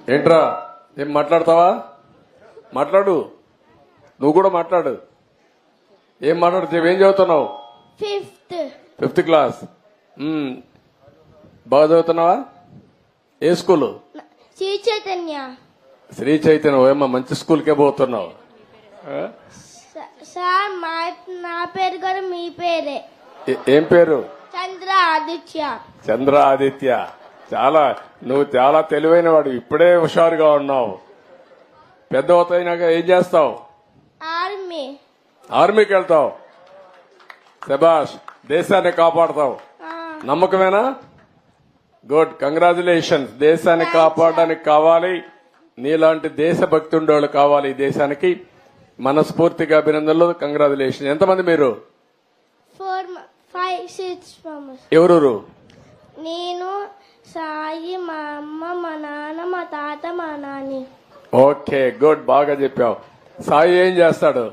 ఏంట్రా ఏం మాట్లాడతావా? మాట్లాడు, నువ్వు కూడా మాట్లాడు. ఏం మాట్లాడుతావు? ఏం చదువుతున్నావు? Fifth class. బాగా చదువుతున్నావా? ఏ స్కూలు? శ్రీ చైతన్య. శ్రీ చైతన్య. ఏమో మంచి స్కూల్కే పోతున్నావు. సార్ నా పేరు కూడా మీ పేరే. ఏం పేరు? చంద్ర ఆదిత్య. చంద్ర ఆదిత్య. నువ్వు చాలా తెలివైన వాడు, ఇప్పుడే హుషారుగా ఉన్నావు. పెద్ద అవుతాయినాక ఏం చేస్తావు? ఆర్మీకి వెళ్తావు. శభాష్, దేశాన్ని కాపాడతావు. నమ్మకమేనా? Good, congratulations. దేశాన్ని కాపాడడానికి కావాలి, నీలాంటి దేశభక్తి ఉండేవాళ్ళు కావాలి ఈ దేశానికి. మనస్ఫూర్తిగా అభినందనలు, కంగ్రాచులేషన్. ఎంతమంది మీరు? 4, 5, 6 ఎవరు? నేను, సాయి, మా అమ్మ, మా నాన్న, మా తాత, మా నాని. ఓకే, గుడ్, బాగా చెప్పావు. సాయి ఏం చేస్తాడు?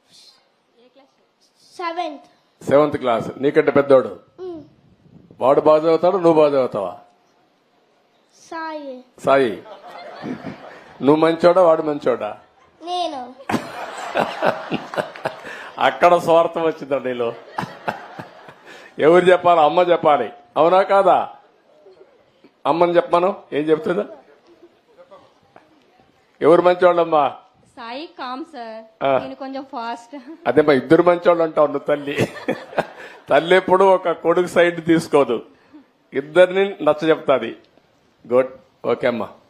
7th class. నీకంటే పెద్దోడు. వాడు బాగా చదువుతాడు, నువ్వు బాగా చదువుతావా? సాయి, నువ్వు మంచోడా వాడు మంచోడా? నేను. అక్కడ స్వార్థం వచ్చిందా నీలో? ఎవరు చెప్పాలి? అమ్మ చెప్పాలి, అవునా కాదా? అమ్మని చెప్పాను. ఏం చెప్తుందా? ఎవరు మంచోళ్ళమ్మా? సాయి కామ్ సార్, నేను కొంచెం ఫాస్ట్. అదేమ్మా, ఇద్దరు మంచోళ్ళు అంటావు నువ్వు. తల్లి ఎప్పుడు ఒక కొడుకు సైడ్ తీసుకోదు, ఇద్దరిని నచ్చ చెప్తాది. గుడ్, ఓకే అమ్మా.